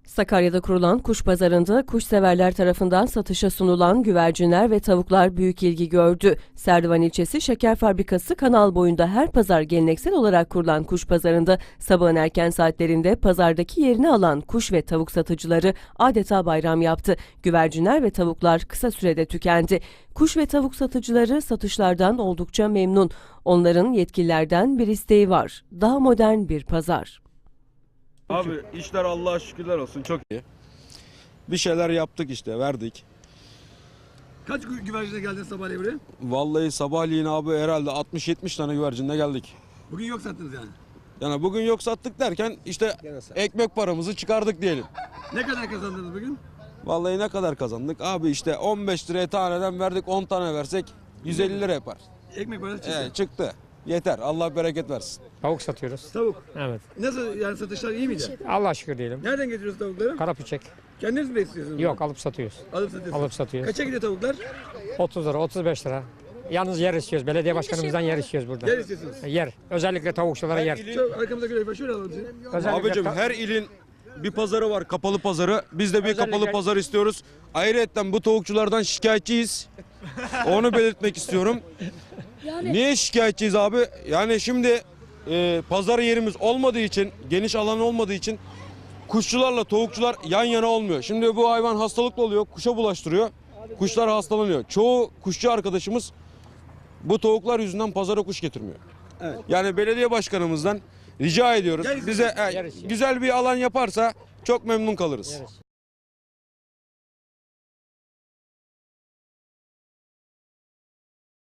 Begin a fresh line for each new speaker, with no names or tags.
Sakarya'da kurulan kuş pazarında kuşseverler tarafından satışa sunulan güvercinler ve tavuklar büyük ilgi gördü. Serdivan ilçesi Şeker Fabrikası kanal boyunda her pazar geleneksel olarak kurulan kuş pazarında sabahın erken saatlerinde pazardaki yerini alan kuş ve tavuk satıcıları adeta bayram yaptı. Güvercinler ve tavuklar kısa sürede tükendi. Kuş ve tavuk satıcıları satışlardan oldukça memnun. Onların yetkililerden bir isteği var. Daha modern bir pazar.
Abi işler Allah'a şükürler olsun çok iyi.
Bir şeyler yaptık işte, verdik.
Kaç güvercine geldin sabahleyin buraya?
Vallahi sabahleyin abi herhalde 60-70 tane güvercinle geldik.
Bugün yok sattınız yani.
Yani bugün yok sattık derken işte ekmek paramızı çıkardık diyelim.
Ne kadar kazandınız bugün?
Vallahi ne kadar kazandık? Abi işte 15 liraya taneden verdik, 10 tane versek 150 lira yapar.
Ekmek parası çıktı.
Çıktı. Yeter. Allah bereket versin.
Tavuk satıyoruz.
Tavuk.
Evet.
Nasıl yani satışlar iyi miydi?
Allah'a şükür diyelim.
Nereden getiriyorsunuz tavukları?
Karapüçek.
Kendiniz mi besliyorsunuz?
Yok, alıp satıyoruz.
Alıp satıyorsunuz.
Alıp satıyoruz.
Kaça gidiyor tavuklar?
30 lira, 35 lira. Yalnız yer istiyoruz. Belediye başkanımızdan yer istiyoruz burada.
Yer istiyorsunuz.
Yer. Özellikle tavukçulara yer.
Çok arkamıza göre şöyle alalım sizi.
Özellikle
Abicim her ilin bir pazarı var, kapalı pazarı. Biz de bir
Özellikle-
kapalı pazar istiyoruz. Ayrıca bu tavukçulardan şikayetçiyiz. Onu belirtmek istiyorum. Niye şikayetçiyiz abi? Yani şimdi pazar yerimiz olmadığı için, geniş alan olmadığı için kuşçularla tavukçular yan yana olmuyor. Şimdi bu hayvan hastalıklı oluyor, kuşa bulaştırıyor. Kuşlar hastalanıyor. Çoğu kuşçu arkadaşımız bu tavuklar yüzünden pazara kuş getirmiyor.
Evet.
Yani belediye başkanımızdan rica ediyoruz.
Gel-
Bize güzel bir alan yaparsa çok memnun kalırız.
Yeriz.